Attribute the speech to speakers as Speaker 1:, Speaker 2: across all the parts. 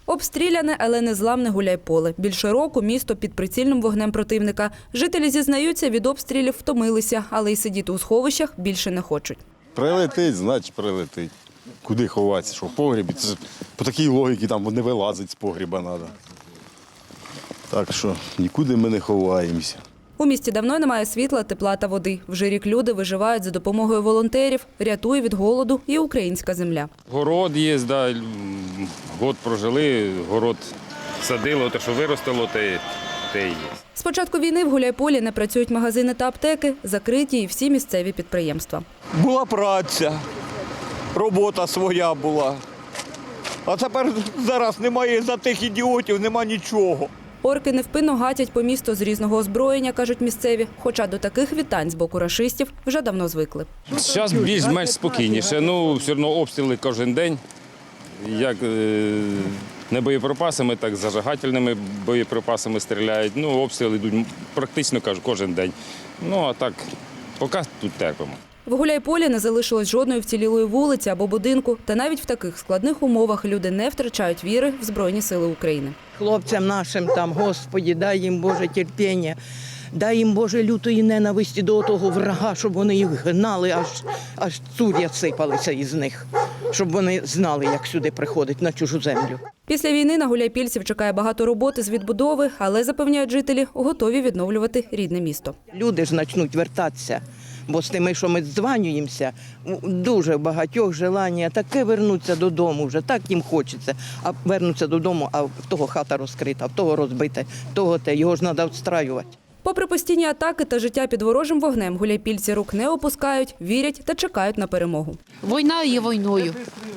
Speaker 1: Обстріляне, але незламне Гуляйполе. Більше року місто під прицільним вогнем противника. Жителі зізнаються, від обстрілів втомилися, але й сидіти у сховищах більше не хочуть.
Speaker 2: Прилетить, значить прилетить. Куди ховатися, що в погрібі? Це по такій логіці там не вилазить з погріба треба. Так що нікуди ми не ховаємося.
Speaker 1: У місті давно немає світла, тепла та води. Вже рік люди виживають за допомогою волонтерів, рятує від голоду і українська земля.
Speaker 3: Город є, да, год прожили, город садило, те, що виростало, те і є.
Speaker 1: З початку війни в Гуляйполі не працюють магазини та аптеки, закриті і всі місцеві підприємства.
Speaker 4: Була праця, робота своя була. А тепер зараз немає за тих ідіотів, нема нічого.
Speaker 1: Орки невпинно гатять по місту з різного озброєння, кажуть місцеві. Хоча до таких вітань з боку рашистів вже давно звикли.
Speaker 3: Зараз більш-менш спокійніше, все одно обстріли кожен день, як не боєприпасами, так і зажигательними боєприпасами стріляють. Обстріли йдуть практично кожен день. А так, поки тут терпимо.
Speaker 1: В Гуляйполі не залишилось жодної вцілілої вулиці або будинку. Та навіть в таких складних умовах люди не втрачають віри в Збройні сили України.
Speaker 5: Хлопцям нашим там, Господі, дай їм Боже терпіння, дай їм Боже лютої ненависті до того врага, щоб вони їх гнали, аж цур'я сипалися із них, щоб вони знали, як сюди приходить на чужу землю.
Speaker 1: Після війни на гуляйпільців чекає багато роботи з відбудови, але, запевняють жителі, готові відновлювати рідне місто.
Speaker 5: Люди ж почнуть вертатися, бо з тими, що ми дзвонюємося, дуже багатьох желання таке вернуться додому вже, так їм хочеться. А вернуться додому, а в того хата розкрита, в того розбита, в того його ж треба відстраювати.
Speaker 1: Попри постійні атаки та життя під ворожим вогнем, гуляйпільці рук не опускають, вірять та чекають на перемогу.
Speaker 6: Війна є війною.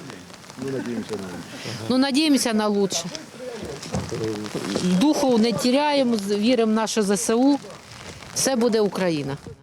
Speaker 6: Надіємося на краще. Духу не теряємо, віримо в наше ЗСУ. Все буде Україна.